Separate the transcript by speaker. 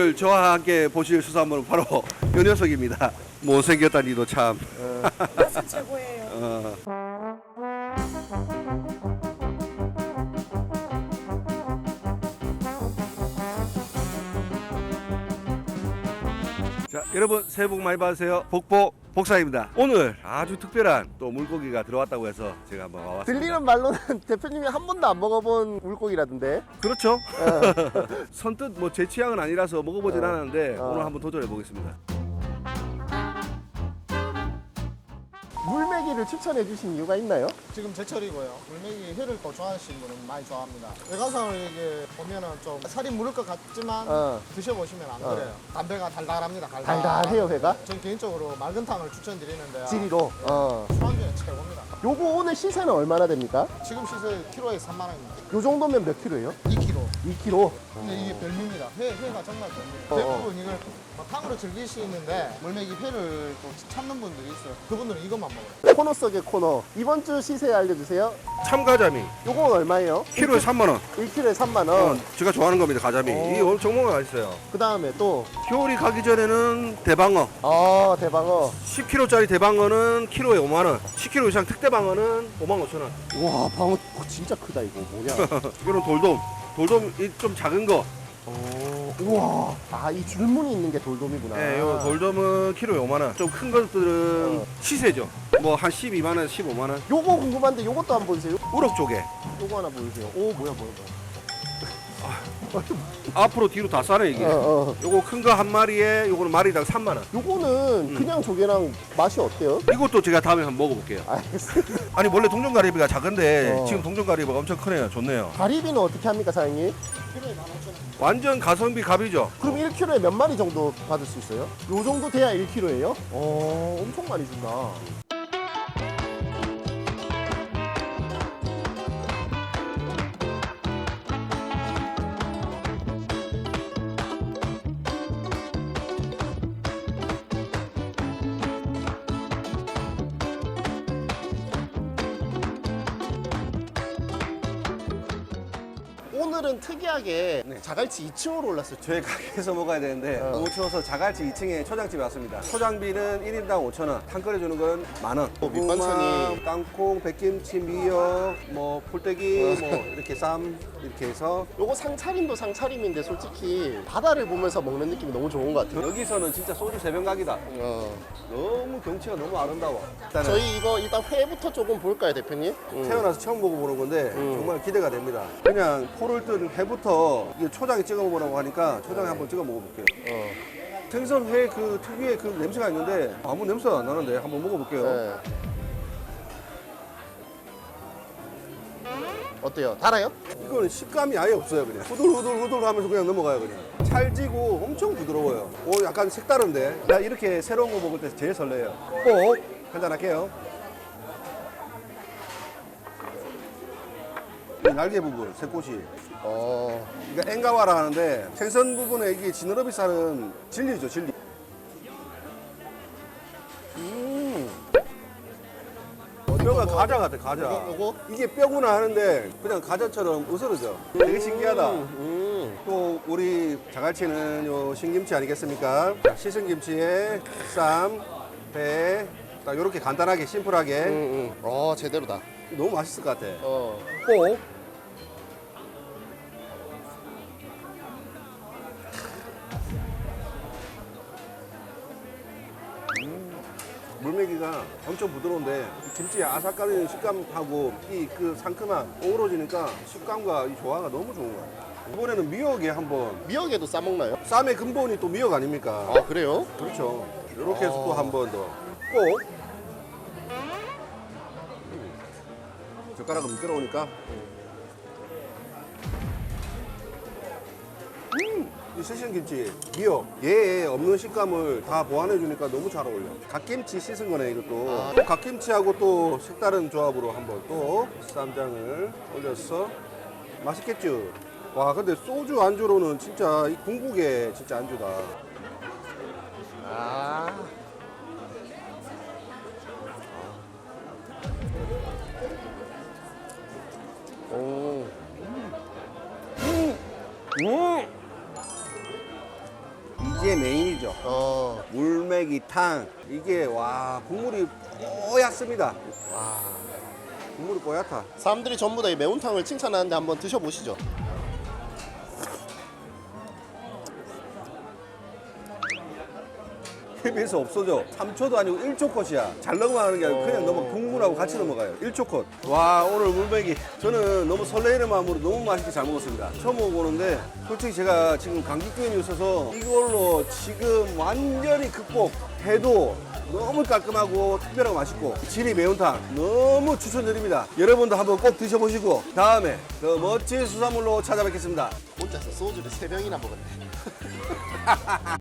Speaker 1: 오늘 저와 함께 보실 수산물은 바로 요 녀석입니다. 못생겼다니도 참.
Speaker 2: 맛은 최고예요.
Speaker 1: 자, 여러분 새해 복 많이 받으세요. 복복 복사입니다. 오늘 아주 특별한 또 물고기가 들어왔다고 해서 제가 한번 와봤습니다.
Speaker 3: 들리는 말로는 대표님이 한 번도 안 먹어본 물고기라던데.
Speaker 1: 그렇죠. 선뜻 뭐 제 취향은 아니라서 먹어보진 않았는데 오늘 한번 도전해 보겠습니다.
Speaker 3: 물메기를 추천해 주신 이유가 있나요?
Speaker 4: 지금 제철이고요. 물메기 회를 또 좋아하시는 분은 많이 좋아합니다. 외관상으로 이게 보면은 좀 살이 무를 것 같지만 드셔보시면 안 그래요. 담배가 달달합니다.
Speaker 3: 달달해요, 회가?
Speaker 4: 전 개인적으로 맑은탕을 추천드리는데요.
Speaker 3: 지리로.
Speaker 4: 술안주에 최고입니다.
Speaker 3: 요거 오늘 시세는 얼마나 됩니까?
Speaker 4: 지금 시세 키로에 3만 원입니다.
Speaker 3: 요 정도면 몇 킬로예요?
Speaker 4: 2kg.
Speaker 3: 2kg.
Speaker 4: 근데 이게 별미입니다. 회가 정말 별미예요. 대부분 이걸 탕으로 즐기시는데 물메기 회를 또 찾는 분들이 있어요. 그분들은 이것만 먹어요.
Speaker 3: 코너 속의 코너. 이번 주 시세 알려주세요.
Speaker 1: 참가자미
Speaker 3: 요건 얼마예요?
Speaker 1: 키로에 3만 원.
Speaker 3: 1kg에 3만 원.
Speaker 1: 제가 좋아하는 겁니다. 가자미. 이게 오늘 정말 맛있어요.
Speaker 3: 그 다음에 또.
Speaker 1: 겨울이 가기 전에는 대방어.
Speaker 3: 대방어.
Speaker 1: 10kg짜리 대방어는 키로에 5만 원. 10kg 이상 특대방어는 5만 5천 원.
Speaker 3: 와, 방어 진짜 크다, 이거. 뭐냐.
Speaker 1: 이거는 돌돔. 돌돔이 좀 작은 거.
Speaker 3: 우와. 이 줄무늬 있는 게 돌돔이구나.
Speaker 1: 네, 요 돌돔은 키로에 5만 원. 좀 큰 것들은 시세죠. 뭐 한 12만 원, 15만 원.
Speaker 3: 요거 궁금한데 요것도 한번 보여주세요.
Speaker 1: 우럭 쪽에
Speaker 3: 요거 하나 보여주세요. 오, 뭐야.
Speaker 1: 앞으로 뒤로 다 싸네 이게. 요거 큰 거 한 마리에 요거는 마리당 3만 원.
Speaker 3: 요거는 그냥 조개랑 맛이 어때요?
Speaker 1: 이것도 제가 다음에 한번 먹어볼게요.
Speaker 3: 알겠습니다.
Speaker 1: 아니 원래 동전가리비가 작은데 지금 동전가리비가 엄청 크네요. 좋네요.
Speaker 3: 가리비는 어떻게 합니까, 사장님?
Speaker 4: 키로에 15,000원.
Speaker 1: 완전 가성비 갑이죠.
Speaker 3: 그럼 1kg에 몇 마리 정도 받을 수 있어요? 요 정도 돼야 1kg예요? 엄청 많이 준다. 오늘은 특이하게 자갈치 2층으로 올랐어요.
Speaker 1: 저희 가게에서 먹어야 되는데 너무 추워서 자갈치 2층에 초장집에 왔습니다. 초장비는 1인당 5천 원, 탕 끓여주는 건 만 원.
Speaker 3: 밑반찬이
Speaker 1: 땅콩, 백김치, 미역, 뭐 풀떼기, 뭐 이렇게 쌈 이렇게 해서
Speaker 3: 요거 상차림도 상차림인데 솔직히 바다를 보면서 먹는 느낌이 너무 좋은 것 같아요.
Speaker 1: 여기서는 진짜 소주 새벽각이다. 너무 경치가 너무 아름다워. 일단은
Speaker 3: 저희 이거 일단 회부터 조금 볼까요, 대표님?
Speaker 1: 태어나서 처음 먹어보는 건데 정말 기대가 됩니다. 그냥 포를 뜬 회부터 이 초장에 찍어 먹으라고 하니까 초장에 한번 찍어 먹어볼게요. 생선 회 그 특유의 그 냄새가 있는데 아무 냄새가 안 나는데 한번 먹어볼게요.
Speaker 3: 네. 어때요? 달아요?
Speaker 1: 이거는 식감이 아예 없어요. 그냥 후들후들 하면서 그냥 넘어가요. 그냥 찰지고 엄청 부드러워요. 오, 약간 색다른데 나 이렇게 새로운 거 먹을 때 제일 설레요. 꼭 한잔할게요. 이 날개 부분, 새꽃이 이거 엥가와라 하는데 생선 부분에 이게 지느러미 살은 진리죠, 진리. 뼈가 과자 같아, 과자.
Speaker 3: 요거?
Speaker 1: 이게 뼈구나 하는데 그냥 과자처럼 으스러져. 되게 신기하다. 또 우리 자갈치는 요 신김치 아니겠습니까? 자, 씻은 김치에 쌈, 배, 딱 요렇게 간단하게 심플하게
Speaker 3: 제대로다.
Speaker 1: 너무 맛있을 것 같아.
Speaker 3: 꼭.
Speaker 1: 물메기가 엄청 부드러운데 이 김치의 아삭거리는 식감하고 이 그 상큼함 어우러지니까 식감과 이 조화가 너무 좋은 거야. 이번에는 미역에 한번
Speaker 3: 미역에도 싸먹나요?
Speaker 1: 쌈의 근본이 또 미역 아닙니까?
Speaker 3: 그래요?
Speaker 1: 그렇죠. 이렇게 해서 또 한 번 더 꼭 젓가락은 미끄러우니까 이 씻은 김치, 미역 얘에 없는 식감을 다 보완해 주니까 너무 잘 어울려. 갓김치 씻은 거네 이것도. 또 갓김치하고 또 색다른 조합으로 한번 또 쌈장을 올려서 맛있겠죠. 와 근데 소주 안주로는 진짜 이 궁극의 진짜 안주다. 이게 메인이죠. 물메기탕. 이게 와 국물이 뽀얗습니다. 와 국물이 뽀얗다.
Speaker 3: 사람들이 전부 다 이 매운탕을 칭찬하는데 한번 드셔보시죠.
Speaker 1: KBS 없어져. 3초도 아니고 1초 컷이야. 잘 넘어가는 게 아니고 그냥 넘어 국물하고 같이 넘어가요. 1초 컷. 와 오늘 물메기 저는 너무 설레이는 마음으로 너무 맛있게 잘 먹었습니다. 처음 먹어보는데 솔직히 제가 지금 감기병이 있어서 이걸로 지금 완전히 극복해도 너무 깔끔하고 특별하고 맛있고 지리 매운탕 너무 추천드립니다. 여러분도 한번 꼭 드셔보시고 다음에 더 멋진 수산물로 찾아뵙겠습니다.
Speaker 3: 혼자서 소주를 3병이나 먹었네.